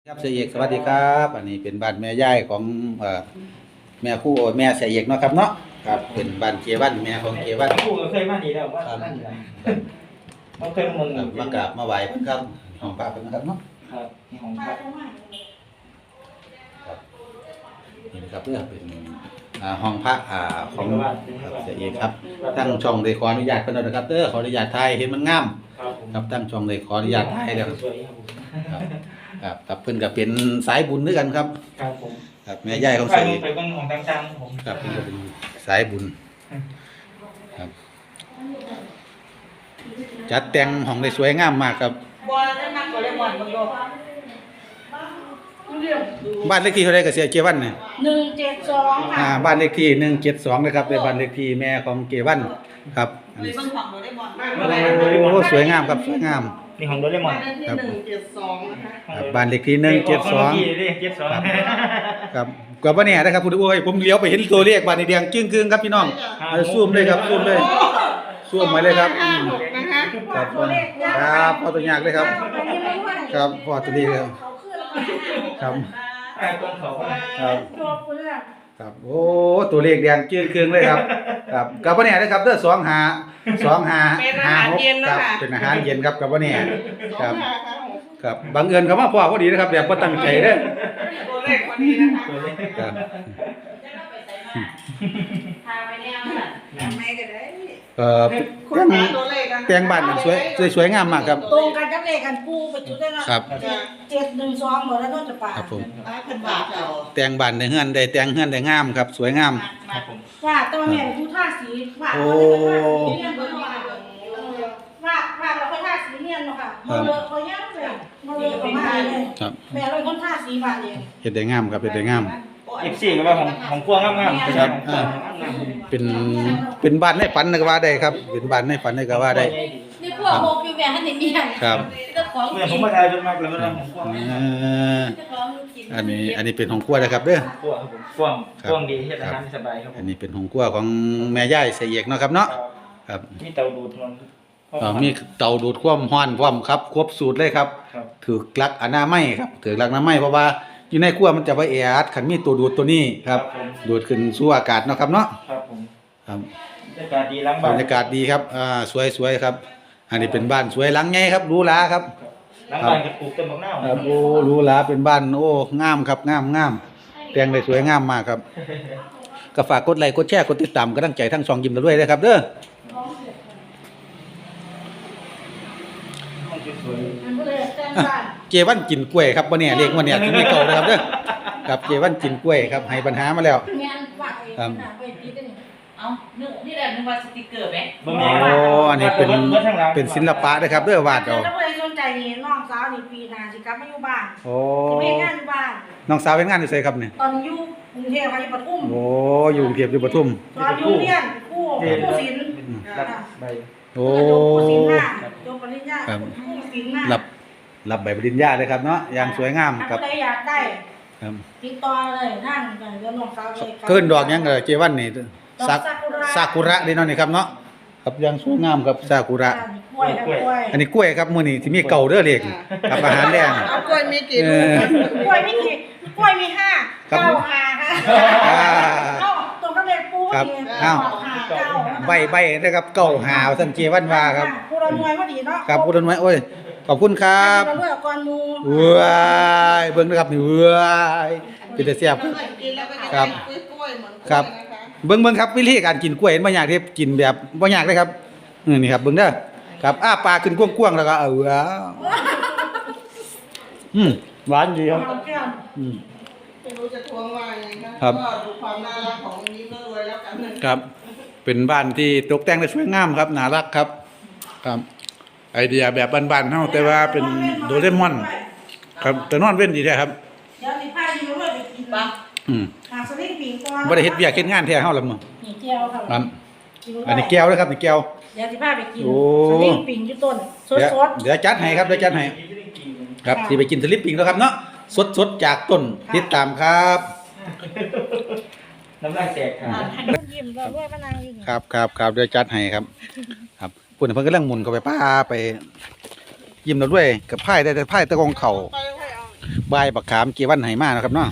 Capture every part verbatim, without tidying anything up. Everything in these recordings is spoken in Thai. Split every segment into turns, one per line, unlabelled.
ครับเสียเอกสวัสดีครับอันนี้เป็นบ้านแม่ย่ายของเอ่อแม่คู่แม่เสียเอกเนาะครับเนาะครับเป็นบ้านเกวันแม่ของเกวัน
คู่ก็เคยมาดีแล้วว่านั่นแหละเขาเคยมึง
ครับมากราบมาไหว้เพิ่นครับของป้าเพิ่นนะครับเนาะ
ครับนี่ของพระ
ครับนี่นะครับเพื่อเป็นอ่าห้องพระอ่าของครับเสียเอกครับตั้งช่องเลยขออนุญาตเพิ่นนะครับเด้อขออนุญาตถ่ายเห็นมันงาม
ครับผม
ครับตั้งช่องเลยขออนุญาตถ่ายแล้ว
สวยครับผม
ครับครับครับเพิ่นก็เป็นสายบุญด้วยกันครับ
ครับผม
ครับแม่ย่ายของ
ไป
เสียเอก
ไปเบิ่งของต่างๆผม
ครับเพิ่นก็เป็นสายบุญครับจัดแต่งห้องได้สวยงามมากครับ
บอลได้มากกว่าเลมอนมึงดู
บ้านเลขที่เท่าไรก็เสียเกวันเนี่ย
หนึ่งเจ็ดสอง
อ่า
ค่ะ
บ้านเลขที่หนึ่งเจ็ดสองนะครับเป็นบ้านเลขที่แม่ของเกวันครับอัน
ไป
นี้
เบิ่งของโดเรมอน
โอ้สวยงามครับสวยงาม
นี่ของโดเรมอน
ครับ
หนึ่งเจ็ดสองนะคะ
ครับบ้านเลขที่หนึ่งเจ็ดสอง
เจ็ดสอง
ครับกว่าบ่แน่นะครับคุณโอ้ยผมเลี้ยวไปเห็นตัวเลขบ้านแดงจึ้งกึ้งครับพี่น้องเอาซูมเลยครับซูมเลยซูมมาเลยครับอืม
นะคะ
ครับครับพอตัวยากเลยครับ ครับพอตัวนี้เลยครับ
ไอ้ต้นเขา
ครับครับโอ้ตัวเลขแดงจืดเครื่องเลยครับครับกับว่าเนี่ยนะครับเด้อสองหาสองหาหาหกครับเป็นอาหารเย็นครับกับว่าเนี่ยครับครับบังเอิญคำว่าพ่อพอดีนะครับแบบว่าตั้งใจเด้อ
ตัวเลขคนนี้นะคะ
ครับ
พาไปแนวน่ะทำไมกันได้
เอ่อ
คุณ
แต่ง
หาตัวเลขกัน
แต่งบ้านสวยสวยสวยงามมากครับ
ตรงกันกับเลขกันปูไปจุดได้เนาะ
ครับ
เจ็ดหนึ่งสองหมดแล้วต้องจะป่า
ครับผม
ห้าพันบาทเอา
แต่งบ้านได้เฮือนได้แต่งเฮือนได้งามครับ สวยงาม
ครับผม
ว่าตัวแม่ผู้ท่าสีว่า
โอ้
เนี่ยเบอร์ว่าว่าว่าเราค่อยท่าสีเนี่ยเนาะค่ะมาเลยเขาย่างเลยมาเลยประมาณเลย
ครับ
แม่เราคนท่าสีบาทเอง
เฮ็ดได้งามครับเฮ็ดได้งาม
เอฟซีก็ว่าของของพวงงามๆ
ครับอ่า เป็นเป็นบ้านในฝันก็ว่าได้ครับ เป็นบ้านในฝันก็ว่าได้
นี่พวกโมกิวแม่ให้เมียน
ครับ
เจ้าของ
เมื่อผ
กิ
ม
น
มาถ่ายเป็นมากเลยมันของพวง
เอ่อ
เจ้าของกิน
อันนี้อันนี้เป็นของครัวนะครับเด้อ
พวงครับผมพวงพวงดีเฮ็ดอาหารสบายครับผ
อัน
ม
นี้เป็นของครัวของแม่ย่ายเสียเอกเนาะครับเนาะครับ
มีเตาดูดมัน
เอ่อมีเตาดูดความร้อนพร้อมครับครบสูตรเลยครับ
ครับ
ถือลักอนามัยครับถือลักอนามัยเพราะว่าอยู่ในครัวมันจะบ่แออัดคันมีตัวดูดตัวนี้ครับดูดขึ้นสู่อากาศเนาะครับเนาะ
ครับผม
ครับ
บรรยากาศดีล้าง
บ
บ้าร น
รยากาศดีครับอ่าสวยๆครับ อันนี้เป็นบ้านสวยหลังใหญ่ครับหรูหราครับ
ล้างบ้านกับปลูกต้นมะนาว
ครับโอ้หรูหราเป็นบ้านโอ้งามครับงามงามแต่งได้สวยงามมากครับก็ฝากกดไลค์กดแชร์กดติดตามกำลังใจทั้งสองยิ้มเราด้วยนะครับเด้อ
สวย
มันก็เลยแจ้งบ้าน
เจวันกินกล้วยครับวันนี้เรียกวันนี้ที่มีเก่านะครับเด้อครับเจวันกินกล้วยครับให้ปัญหามาแล้ว
งานฝากเองนะไปตีกันนี่
เอานึกนี่แหละนึกว่าสติกเกอร์ไหม
บ่มี
โอ้อันนี้เป็นเป็นศิลปะนะครับเด้อวาดเอา
แล้วก็เลยสนใจนี่น้องสาวนี่ปีหน้าสิกลับมาอยู่บ้าน
โอ้
สิไปงานอยู่บ้าน
น้องสาวเป็นงานอยู่ไสครับเนี่ย
ตอนอยู่กรุงเทพค่ะอยู่ปทุม
โอ้อยู่กรุงเทพอยู่ปทุม
ตอนอยู่เรียนคู่คู่ศิลป์
รับใบ
โอ้
คู่ศิลป์หน้าจบปริญญา
ครับ
คู่ศิลป์หน้า
รับรับใบปริญญาเลยครับเนาะอย่างสวยงามค
ค
รั
รั
บบ
ใครอยากได้
ครับ
ติดต่อเลยนั่งกันเดี๋ยวน้องสาวเลย
เพิ่นดอกหยังเออเจวันนี่ซาซากุระเด้เนาะนี่ครับเนาะครับอย่างสวยงามครับซากุระ
กล้วยครับกล้วย
อันนี้กล้วยครับมื้อนี้ที่มีเก่าเด้อเลขครับอาหารแรง
เอากล้วยมีกี่
เอ
ลูก
อก
ล้วยมีกี่กล้วยมีห้า
ครับ
เก้าห้าค่ะ
อ่า
เอ้าตรงกับเลขปู
ครับ
นี่
อ้าว
ห้าเก้า
ใบใบนะครับเก่าหาวท่านเจวันว่าครับ
ผู้เราหน่วยพอดีเนาะ
ครับพูดไว้โอ้ยขอบคุณครับ
เราเลือกก่อนหมู
ว้ายเบิ่งนะครับนี่ว้ายเป็นแต่แซ่บครับ ครับเบิ่งเบิ่งครับวิธีการกินกล้วยบ่ยากที่กินแบบบ่ยากเลยครับอือนี่ครับเบิ่งเด้อครับอ้าปากขึ้นกว้างๆแล้วก็เอาว้าวอืมหวานดีครับ
เอาแก้ว
อืม
ไม่รู้จะทวงว่ายังไงนะครับ ก็ดูความน่ารักของนี้ก็รวยแล้วกันนะครับ
เป็นบ้านที่ตกแต่งได้สวยงามครับน่ารักครับ ครับ ไอเดียแบบบ้านๆเฮาแต่ว่าเป็นโดเรมอน ครับแต่นอนเว้นดีแท้ครับ
เดี๋ยวนี่พาอยู่เลยไปกินปะ
อืม
หาสลิงปิงก่อน
บ่ได้เฮ็ดเวียกเฮ็ดงานแท้เฮาล่ะมื้อ
นี่แก้วครับ
ครับอันนี้แก้วนะครับนี่แก้ว
เดี๋ยวสิพาไปกิน
โอ้
สลิงปิงอยู่ต้นส
เดี๋ยว
ด
เดี๋ยวจัดให้ครับเดี๋ยวจัดให้ครับสิไปกินสลิปปิ้งแล้วครับเนาะสดๆจากต้นติดตามครับ
น้ำลายแตกครับ
ๆให้ลูกยิ้มก็ด้วยมะนาวอยู่นี่
ครับครับครับเดี๋ยวจัดให้ครับ ครับปุ่นเพิ่นกำลังหมุนเข้าไปป้าไป ยิ้มเราด้วยกับไพ่ได้แต่ไพ่ตะกองเข่า
ไปให้เอา
บายบักขามเกวันไหมานะครับเนาะ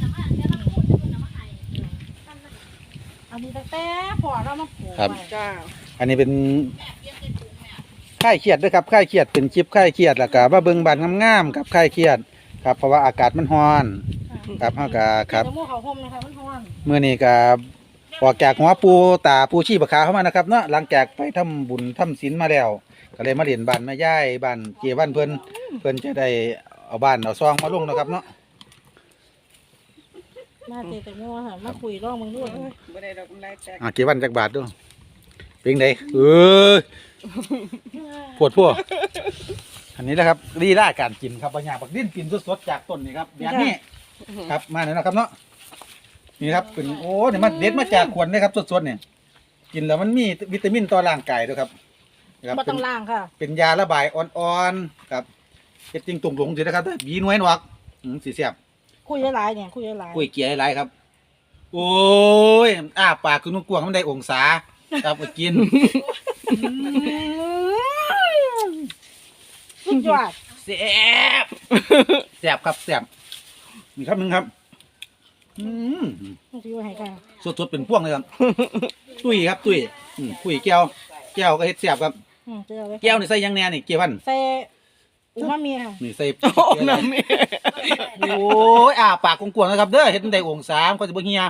อันนี้ตั้งแต่พอเรามาปลูก
ครับ
ไว้
จ้า
อันนี้เป็นค่ายเครียดด้วยครับค่ายเครียดเป็นจิบค่ายเครียดแล้วก็มาเบิ่งบานงามๆครับค่ายเครียดครับเพราะว่าอากาศมันร้อนครับเฮาก็ครับ
เดี๋ยวหมู่เขาห่มนะคะมันร้อน
มื้อนี้ก็ออกจากหัวปูตาปูชีปะขาวเข้ามานะครับเนาะหลังจากไปทำบุญทำศีลมาแล้ว ก็เลยมาเรียนบ้านแม่ย่ายบ้านเกวันเพิ่นเพิ่นจะได้เอาบ้านเอาซองมาลงนะครับเนาะ
มาเจอแต่งัวค่ะมาคุยร่องมึงด้วย
ไม่ได้ดอกกำไรแตก
อ่ะเกวันจักบาทด้วยเป็นไงเออปวดพวกอันนี้แหละครับลีลาการกินครับปัญญาบักดิ้นกินสดๆจากต้นนี่ครับแบบนี้ครับมาหน่อยนะครับเนาะนี่ครับเป็นโอ้เนี่ยมันเด็ดมาจากขวดเลยครับสดๆเนี่ยกินแล้วมันมีวิตามินต่อร่างกายด้วยครับนะครับ
มา
เป็
ต้อน งล่างค่ะ
เป็นยาระบายอ่อนๆครับเฮ็ดจริงตุ่มหลงสินะครับบีน้อยหนวกอืมสีเสียบ
คุยหลายๆเนี่ยคุยหลาย
กุ้ยเกียร์หลายๆครับ โอ้ยอ้าปากคือนุ่งกวางมันได้องศาครับไปกิน
สุดยอด
แซ่บแซ่บครับแซ่บมีครับหนึ่งครับอืม
ต้องซื้อไว้ให้ค่ะ
สดๆเป็นพวงเลยครับ ตุ้ยครับตุ้ยอืมกุ้ยแก้วแก้วก็เฮ็ดแซ่บครับ
อืมเจอไว้
แก้วนี่ใส่หยังแหน่นี่เกียวพัน
ใส่อูมามีค่ะ
นี่ใส่โอ้ยอ้าปากกวางๆนะครับเด้อเฮ็ดได้องศาก็สิบ่เฮีย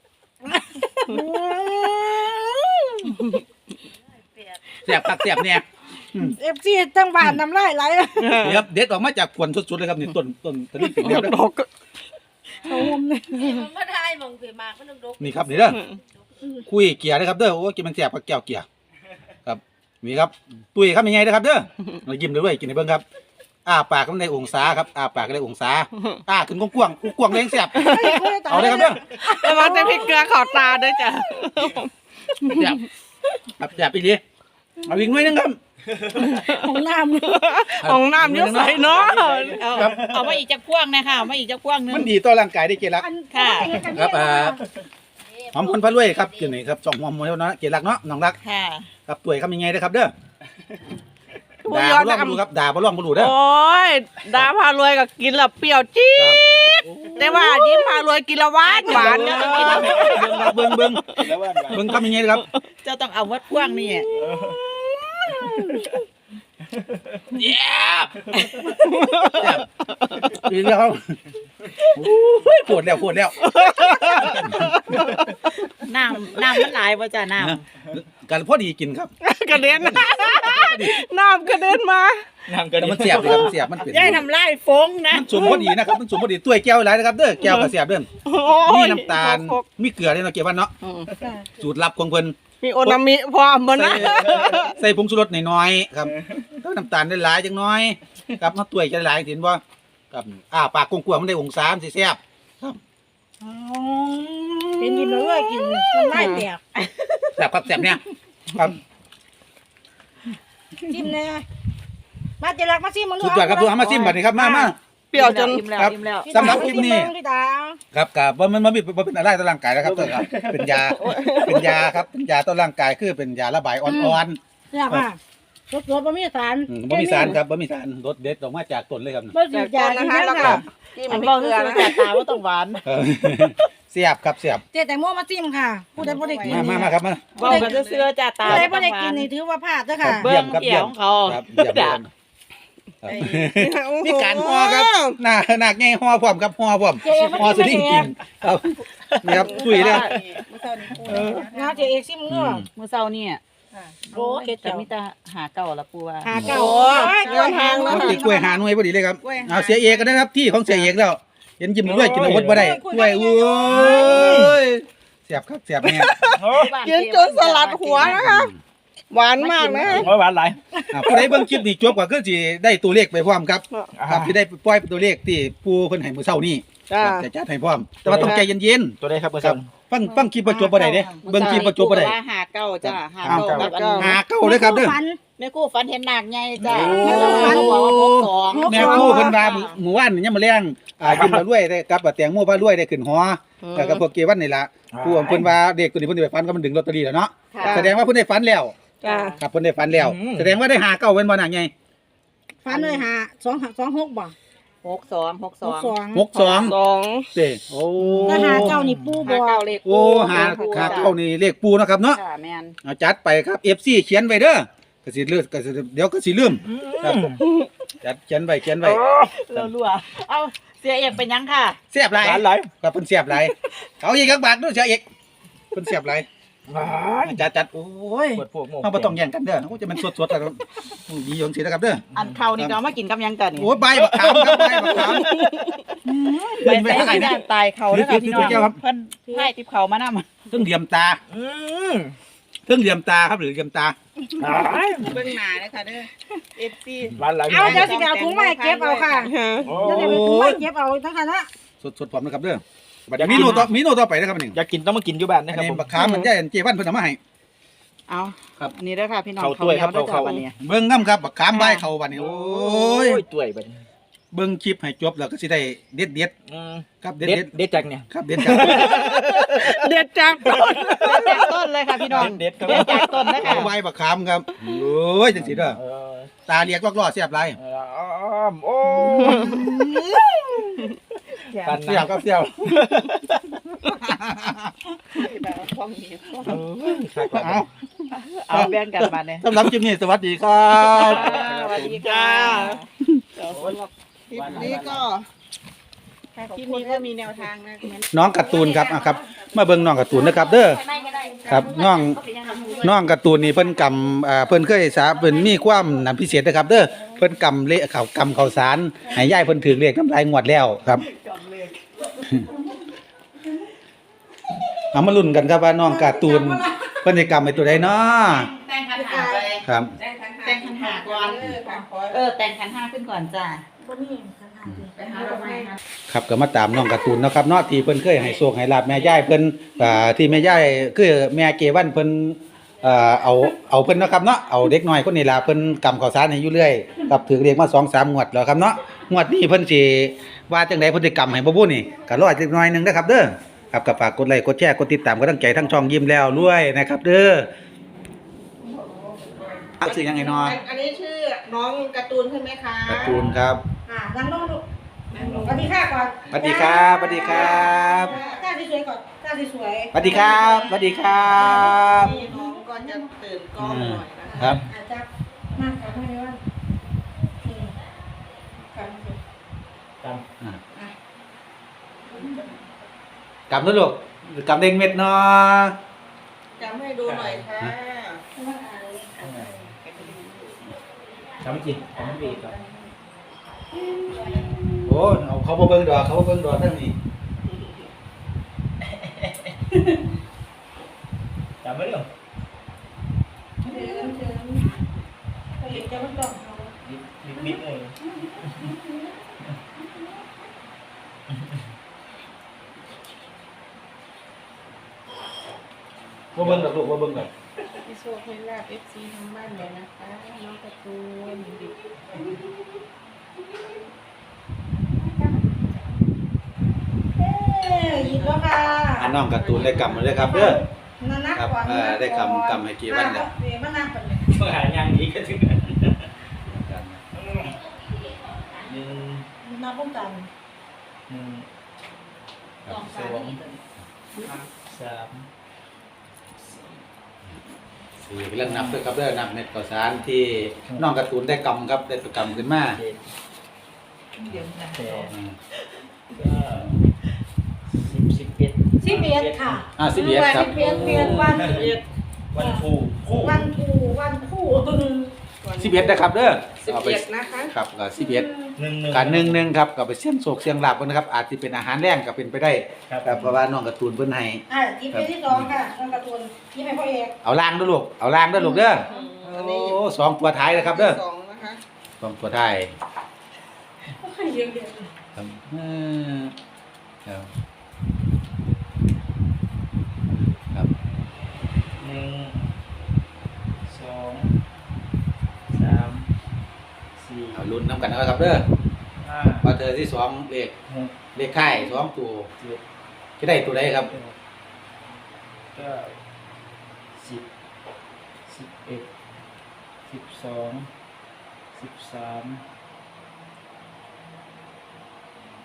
แซ่บคักแซ่บแน่
เอฟซีตั้งบ้านน้ำลายไหล
นี่ครับเด็ดออกมาจากขวดสุดๆเลยครับนี่ต้นต้นต้นนี้เป็นแล้วนะ
เขาห่มเนี่ย
มันไม่ได้มองเสียมากมันต้องดก
นี่ครับนี่เด้อคุยเกียร์นะครับเด้อโอ้กินมันแซ่บกับแก้วเกียร์ครับนี่ครับตุ้ยครับยังไงนะครับเด้อเรายิ้มด้วยกินให้เบิ่งครับอ้าปากก็ได้องศาครับอ้าปากก็ได้องศาอ้าขึ้นกว้างๆกว้างๆแรงแซ่บเอาเลยครับเด้อ
แล้วมันจะพริกเกลือขอตาด้วยจ้ะ
แซ่บครับแซ่บอีหลีเอาอีกหน่อยหนึงครับ
ของน้ำ
ของน้ำเยอะใส่เนาะ
ครับ
เอามาอีกจากพวงนะคะเอามาอีกจากพวงนึง
มันดีต่อร่างกายได้เกลัก
อัน
ค่ะ
ครับอ่า หอมคนพะรวยครับกินนี่ครับสองหอมหมดแล้วเนาะเกลักเนาะน้องรัก
ค่ะ
ครับตุ้ยครับยังไงนะครับเด้อด่าบ่ล่องบ่รู้ครับด่าบ่ล่องบ่รู้เด้อ
โอ้ยดาพารวยก็กินแล้วเปรี้ยวจี๊ดแต่ว่ายิ้มพารวยกินแล้วหวานหวาน
เบิ่
เนี่ย
ง
กินแล้ว
เบิ่งเบิ่งเบิ่งครับยังไงครับ
เจ้าต้องเอาวัดพวงนี่
เย้กินแล้วครับโอ้ยปวดแล้วปวดแล้ว
น้ำน้ำมันหลายป่ะจ้ะน้
กันพอดีกินครับ
กระเด็นน้ำกระเด็นมา
แต่มันเสียบเลยครับมันเสียบมันเป็น
ำย่ายทำลายฟงนะ
มันสมพอดีนะครับมันสมพอดีตุ้ยแก้วหลายนะครับเด้อแก้วก็เสียบเด้อ
โอ้
มี
ย
น้ำตาลมีเกลือด้วยเนาะเกี่ยววันเนาะสูตรลับของเพิ่น
มีโอนามิพร้อมบ่นะ
ใส่ใส่ผงชูรสน้อยๆครับแล้วน้ำตาลได้หลายจังน้อยครับมาตุ้ยจะหลายเห็นบ่ครับอ้าปากกว้างๆมันได้องศาสิแซ่บ
เป็นกินเลยกินน้ำลายแตก
แซ่บครับแซ่บเนี่ยครับ
จิ้มแน่มาเจรักมาซิมมึง
สุดยอดครับทุกท่านมาซิมบัดนี้ครับมามา
เปรี้ยวจน
อิ่มแล้ว
ครับ
อิ่มแล้ว
สำหรับคลิปนี้
พี่ตา
ครับกับว่ามันมันมีมันเป็นอะไรต่อร่างกายนะครับตัวครับเป็นยาเป็นยาครับเป็นยาต่อร่างกายคือเป็นยาระบายอ่อน
เนี่ยค่ะรสรสบะหมี่สาร
ๆอืมบ่มีสารครับบ่มีสารรสเด็ดออกมาจากต้นเลยครับ
บะหมี่ยานะคะแล้วก็
จิ้ม
มัน
พริ
บ
ก
อก
เก
ที่
ลือ
สุด
นะ
แต่ตาว่าต้องหวาน
เออเสียบครับเสียบ
เจ๊แตงโมมาซิมค่ะผู้ใดบ่ได้กิน
มามามาครับมา
บอกกันเสื้อจ้าตา
ผู้ใด
ว่า
บ่
ต้อ
ได้
งหวา
กิน
น
นี่ถือว่าพลาดเด้อ
ครั
ค่ะ
บเยี่ยมครับ
เกี่
เยี่
ย
ยว ม
ของเขา
ครับเยี่ยมเยี่ยมครับมีการห่อครับหน้าหนักไงห่อพร้อมครับห่อพร้อมห่อสลิงกินครับนี่ครับตุ้ยเลย
งาเจ๊เอกซิมเด้อ
เมื่อเช้านี่โอ้เฮ็ดแต่มีแต่หาเก่าละปูว่า
หาเก่า
โอ้ยเรื่องทาง
ค
แล้
รั
ว
บติดกล้วยหาหน่วยพอดีเลยครับเอาเสียเอกกันนะครับที่ของเสียเอกแล้วเห็นยิ้มด้วยกินอาวุธบ่ได้กล้วยโอ้ยเสียบครับเสียบเนี่ย
กินจนสลัดหัวนะคะหวานมากนะ
โอ้ยหวานหลาย
อ่าผู้ใดเบิ่งคลิปนี้จบก็คือสิได้ตัวเลขไปพร้อมครับครับสิได้ปล่อยตัวเลขที่ผู้เพิ่นให้มื้อเช้านี้
จ้า
ครับจะจัดให้พร้อม แต่ว่าต้องใจเย็น
ตัวได้ครับเบอร์
ๆค
ส
รั
อบ ง
ฟังฟังคลิปบ่จบบ่ได้เด้เบิ่งคลิปบ่จบบ่ได้
ว่าหาเก่าจ้าหา
หา
เก่า
เก่า
กับอันนี้
หาเก้าเลยครับเด้อ
ฝัน
แม่กู้ฝันเห็นหนักไงจ้า
โอ้
บอกว่าพบสอง
แม่ครู่เพิ่นว่าหมู่บ้านนี่ยังมาแรงอ่ากินมารวยได้กับแตงโมพารวยได้ขึ้นหอแล้วก็พวกเกวันนี่ล่ะผู้เพิ่นว่าเด็กตัวนี้เพิ่นได้ไปฝันก็มันดึงลอตเตอรี่แล้วเนาะ
ค่ะ
แสดงว่าเพิ่นได้ฝันแล้ว
จ้า
ครับเพิ่นได้ฝันแล้ว แสดงว่าได้หาเก้าเว้นบ่น่ะไง
ฝันเลยหาสองหาสองหกบ่
หกสองหกส
ห
อก ง
สอง
หกสอง
สอง
เด้โอ้
ถ้าหาเก้านี่ปูบ
หา
อก
เก้าเลข
โอ้หาหาเก้านี่เลขปูนะครับเนาะ
ค่ะแม่น
เอาจัดไปครับ เอฟ ซี เขียนไว้เด้อก็สิลืมก็สิเดี๋ยวก็สิลืมครับจัดเขียนไว้เขียนไว้
เราลัวเอาเสียเอกเป็นยังค่ะ
เสียบหลาย
ร้านไหล
ครับเพิ่นเสียบหลายเอาอีกจักบาทด้วยเสียอีกเพิ่นเสียบหลายจัดจัดโอ้ย
เปิดพวกโม
เฮาบ่ต้องแย่งกันเด้อโอ้จะมันสดๆกันดีอย่างสินะครับเด้อ
อันเขานี่ก็เอามากินกับหยังกันนี่
โอ้ยใบบักขามครับใบบักขาม
ไปใส่ที่ด้านตายเขาแล้วค่ะพี่น้อง
เดี๋ยวครับ
เพิ่นให้ติบเขามานำ
เพิ่งเหลี่ยมตา
อืม
เพิ่งเหลี่ยมตาครับหรือเหลี่ยมตา
เบิ่งหน้าเลยค่ะเด้อ เอฟ ซี
ร้านไหล
เอาเดี๋ยวสิไปเอาถุงมาให้เก็บเอาค่ะ
โอ้
เดี๋ยวสิไปเอาถุงมาให้เก็บเอาทั้งคันนะ
สดๆพร้อมนะครับเด้อบัดนี้มีโนต่อมีโนต่อไปนะครับนี่
อยากกินต้องมากินอยู่บ้าน
อั
นะ
น
ครับ
นี้
ผม
บักขามมันได้เจวันเพิ่นเอามาให้
เอา
ครับ
อันนี้เด้อค่ะพี่น้อง
เข้าถ้วยครับ
ข้าวเหนี
เข้า
ด้อจ้ะวันนี้
เบิ่งน้ำครับบักขามใบเข้าบัดนี้โอ้ย
ตัวยบัดนี้
เบิ่งคลิปให้จบแล้วก็สิได้เด็ดเด็ด
อืม
ๆครับเด็ด
เด็
เด็
ด
ด
เด็ดจากเนี่ย
ครับเด็ดครับ
เด็ดจากต้น
เด็ดจากต้นเลยค่ะพี่น้อง
เด็ดครับ
เด็ดจากต้นนะคะ
เอาใบบักขามครับโอ้ยจังสิเด้อ
เออ
ตาเรียกลอกๆเสียบหลาย
เอออ้อมโอ้ ปัน
เสียบครับเสียบ
แบบว่าของนี้
เอา
เอาแบ่งกันมาเนี่ย
สำหรับคลิปนี้สวัสดีครับ
สวัสดีค่ะเดี๋ยวสำหรับคลิปนี้ก็คลิปนี้ก็มีแนวทางนะเหมือน
น้องการ์ตูนครับอ่ะครับมาเบิ่งน้องการ์ตูนนะครับเด้อครับน้องน้องการ์ตูนนี่เพิ่นกำอ่าเพิ่นเคยสาเพิ่นมีความนำพิเศษนะครับ เด้อเพิ่นกำเลขเขากำข้าวสารให้ยายเพิ่นถือเลขน้ำลายงวดแล้วครับเอามาลุ้นกันครับว่าน้องการ์ตูนเพิ่นสิกำให้ตัวใดเนาะ
แต่งขันหาไป
ครับ
แต่งขันหาก่อนเออแต่งขันห้าขึ้นก่อนจ้า
บ่มีคันหาสิ
ไปหาดอกไม้ค่ะ
ครับก็มาตามน้องการ์ตูนเนาะครับเนาะที่เพิ่นเคยให้โชคให้ลาบแม่ยายเพิ่นอ่าที่แม่ยายคือแม่เกวันเพิ่นเอ่อเอาเอาเพิ่นเนาะครับเนาะเอาเด็กน้อยคนนี้ล่ะเพิ่นกำข้าวสารให้อยู่เรื่อยครับถือเลขมา สองสาม งวดแล้วครับเนาะงวดนี้เพิ่นสิว่าจังได๋เพิ่นสิกำให้บ่บุนี่ก็รออีกจักหน่อยหนึงเด้อครับเด้อครับก็ฝากกดไลค์กดแชร์กดติดตามกำลังใจทั้งช่องยิ้มแล้วรวยนะครับเด้ออ่ะชื่อยังไงเนาะ
อันนี้ชื่อน้องการ์ตูนใช่ไหมคะ
การ์ตูนครับ
อ่านั่งลงลูกสวัสดีค่ะก่อน
สวัสดีครับสวัสดีครับ
ท่าสวยๆก่อนท่าสวยๆ
สวัสดีครับสวัสดีครับ
นี่น้องก็จะตื่นกล้องหน่อยนะคะ
ครับ
อาจจะมากกว่าไม่ได้ว่านี่กันสิ
ตาม
อ่ะกำด้วยลูกกำเด้งเม็ดเนาะ
จำให้ดูหน่อยค่ะ
ว่าอะไรอะไร
ทำไม่กินทำไม่ดีครับ
โอ้เอาเขามาเบิ่งดอกเขามาเบิ่งดอกทั้งนี้
จำไม่ได้หรอ
เดินเดินไปเห็นจะมันดอกเขา
บิ๊กบิ๊กเลย
มาเบิ่งดอกลูกมาเบิ่งดอก
พี่โชคให้ลาบเอฟซีทางบ้านเลยนะคะน้องการ์ตูน
เอ้ยหยิบแล้วค่ะ
อันน้องการ์ตูนได้กำมาเลยครับเด้อ
นั่นนัก
ครับ
ก่อน
เอ่อได้กำกำให้กี่วันเนี่ย
เดี๋ยวมานั่งก่อนเลย
ต้องหายางนี้ก็ถึงหนึ่ง
มาป้องกัน
หนึ่ง
สอง
ส
สาม
อง
นี่
สาม
สี่เรื่องนับด้วยครับเด้อนับเม็ดข้าวสารที่น้องการ์ตูนได้กำครับได้กำขึ้นมา
เจ็ด
เดี๋ยวนะ
แปด
อืม
เก้าสิบสิบเอ็ด
สิบเอ็ดค่ะ
อ่าสิบเอ็ดครับ
สิบเอ็ดเปลี่ยนวัน
วันครูคู่
วันคู่วันคู่
สิบเอ็ดนะครับเด้อ
สิบ
เอาไป
เอ็ดนะคะ
ครับก็สิบเอ็ด
หนึ่งหนึ่ง
การหนึ่งหนึ่งครับก็ไปเสี่ยงโศกเสี่ยงลาบกันนะครับอาจจะเป็นอาหารแรงก็เป็นไปได้
ครับ
ครับเพราะว่าน้องการ์ตูนเพิ่นให้
อ่ะยิบเป็นที่สองค่ะน้องการ์ตูนยิบให้พ่อเอก
เอาล่างเด้อลูกเอาล่างเด้อลูกเด้อ
อันนี้
โอ้สองตัวท้ายนะครับเด้อ
สองนะคะ
สองตัวท้าย
เยอะเยอะ
ครับเออครับครับ
หนึ่งสองสามสี่
เอาลุ้นน้ำกันนะครับเด้อ
ห้า
ว่าเธอที่สองเลข
หก
เลขค่ายสองตัว
เจ็ด
จะได้ตัวใดครับ
แปดเก้าสิบสิบเอ็ดสิบสองสิบสาม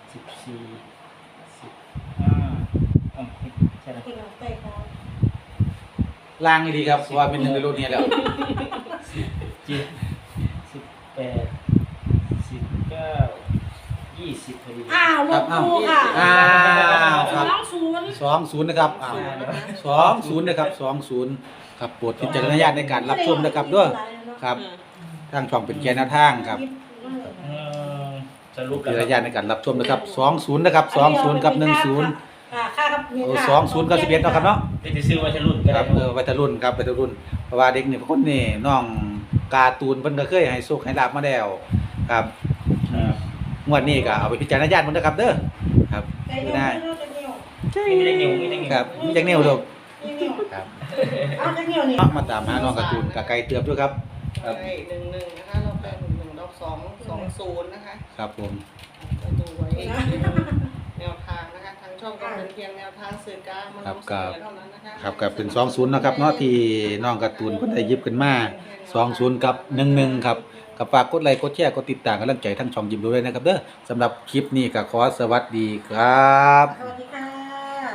สิบสี่สิบห้าอ๋อใช่ไหม
คุณเอาไปก่อน
ล่างดีครับเพราะว่าเป็นหนึ่งในรุ่นนี้แล้ว
สิบเจ็ดสิบแปดสิบเก้ายี่สิบพอดี
อ้าวลงครูค่ะ
อ้าวค
ส
รับ
องศูนย์
สองศูนย์นะครับอ้าวสองศูนย์นะครับสองศูนย์ครับโปรดพิจารณญาณในการรับชมนะครับด้วยครับทางช่องเป็นแกนหน้าทางครับ
อืมสรุป
พิ
แล้ว
จารณญาณในการรับชมนะครับสองศูนย์นะครับสองศูนย์กับหนึ่งศูนย์
อ่าค่ากับ
โอ้สองศูนย์กับสิบเอ็ดเนาะครับเนาะ
เป็นจะซื้อวัชรุ่นก็
ค
ได้
รับเออวัยรุ่นครับวัยรุ่นเพราะว่าเด็กนี่บางคนนี่น้องการ์ตูนเพิ่นก็เคยให้โชคให้ลาบมาแล้วครับ
ครับ
งวดนี้ก็เอาไปพิจารณญาณมันนะครับเด้อครับ
ได้
ไม่ได้
มีได้เงี้ยวมีได้เงี้ยว
ครับมีจังแนวดอก
นี่
ครับ
เอาจังเหี่ยวนี่
มาตามหาน้องการ์ตูนกับไก่เตือบด้วยครับครับ
ใช่หนึ่งหนึ่งนะคะเราเป็นหนึ่งหนึ่งเราสองสองศูนย์นะคะ
ครับผม
ก็ดูไว้แนวทางนะคะทางช่องก็เป็นเพียงแนวทางสื่อกลางมันนำเสนอเท่านั้นนะคะ
ครับก็เป็นสองศูนย์นะครับเนาะที่น้องการ์ตูนเพิ่นได้หยิบขึ้นมาสองศูนย์กับหนึ่งหนึ่งครับก็ฝากกดไลค์กดแชร์กดติดตามกำลังใจทั้งช่องยิ้มด้วยนะครับเด้อสำหรับคลิปนี้ก็ขอสวัสดีครับ
สวัสดีค่ะ